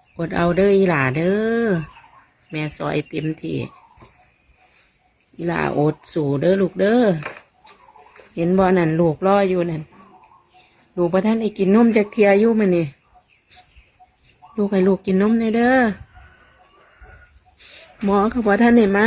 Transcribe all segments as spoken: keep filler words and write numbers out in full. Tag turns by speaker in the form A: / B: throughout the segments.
A: อดเอาเด้ออีหลาเด้อแม่ซอยเต็มที่อีหลาอดสู่เด้อลูกเด้อเห็นบ่นั่นลูกรออยู่นั่นลูกพระท่านไอ้กินนมจากเทียอยู่มันนี่ลูกให้ลูกกินนมเลยเด้อหมอเขาบอกท่านไหนมา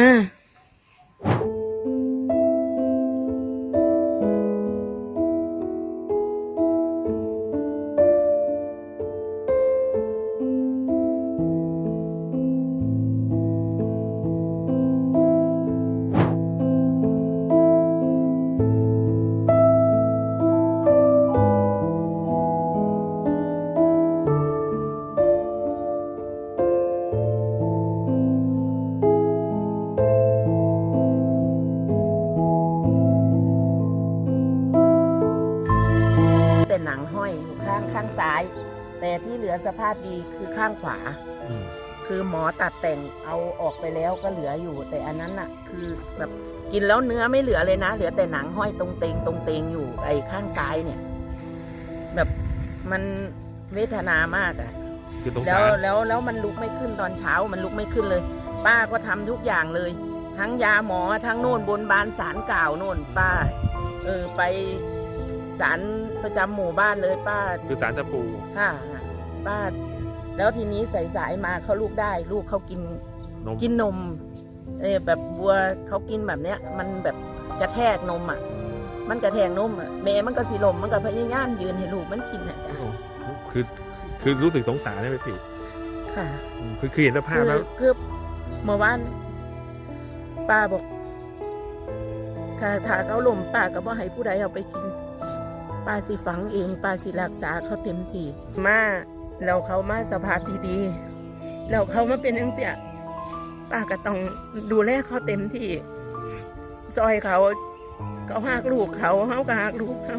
A: แต่หนังห้อยอยู่ข้างข้างซ้าย แต่ที่เหลือสภาพดีคือข้างขวาคือหมอตัดแต่งเอาออกไปแล้วก็เหลืออยู่ แต่อันนั้นน่ะคือแบบกินแล้วเนื้อไม่เหลือเลยนะเหลือแต่หนังห้อยตรงเตงตรงเตงอยู่ไอ้ข้างซ้ายเนี่ยแบบมันเวทนามากอะแล้วแล้วแล้วมันลุกไม่ขึ้นตอนเช้ามันลุกไม่ขึ้นเลย ป้าก็ทำทุกอย่างเลย ทั้งยาหมอทั้งโน่นบนบานศาลกล่าวโน่นป้าเออไปศาลประจำหมู่บ้านเลยป้า
B: คือศาลตะปู
A: ค่ะป้าแล้วทีนี้สายๆมาเขาลูกได้ลูกเขากินกินนมเออแบบบัวเขากินแบบเนี้ยมันแบบกระแทกนมอ่ะมันกระแทกนมอ่ะแม่มันก็สิลมมันก็พยายามยืนให้ลูกมันกินอ่ะจ้ะ
B: คือคือรู้สึกสงสารได้ไหมพี่
A: ค่ะ
B: คือคือเห็นสภาพแล้ว
A: คือเมื่อวานป้าบอกถ้าถ้าเขาลมป้าก็บ่ให้ผู้ใดเอาไปกินป้าสิฝังเองป้าสิรักษาเขาเต็มที่มาแล้วเขามาสภาพดีๆแล้วเขามาเป็นจังซี่ป้าก็ต้องดูแลเขาเต็มที่ซอยเขาเขาหักลูกเขาเขาก็หักลูกเขา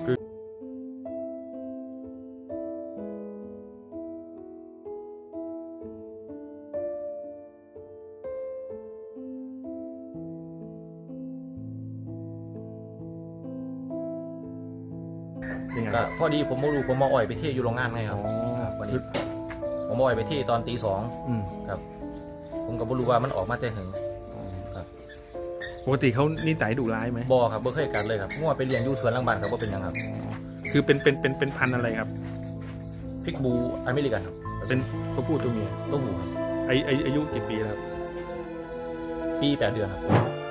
C: ก็พอดีผมมาดูผมมาอ่อยไปเที่ยวอยู่โรงงานไงครับวันนี้ผมมาอ่อยไปที่ตอนตีสองครับผมก็บ่รู้ว่ามันออกมาแต่ถึงครับ
B: ปกติเขานิสัยดุร้ายไหม
C: บ่ครับบ่เคยกัดเลยครับมั่วไปเลี้ยงอยู่สวนหลังบ้านครับว่าเป็นยังครับ
B: คือเป็นเป็นเป็นเป็นพันธุ์อะไรครับ
C: พิกบูอเมริกันครับ
B: เป็นตัวผู้ตัวเมีย
C: ตัวผู้ครับ
B: ไอไออายุกี่ปีแล้ว
C: ปีแปดเดือนครับ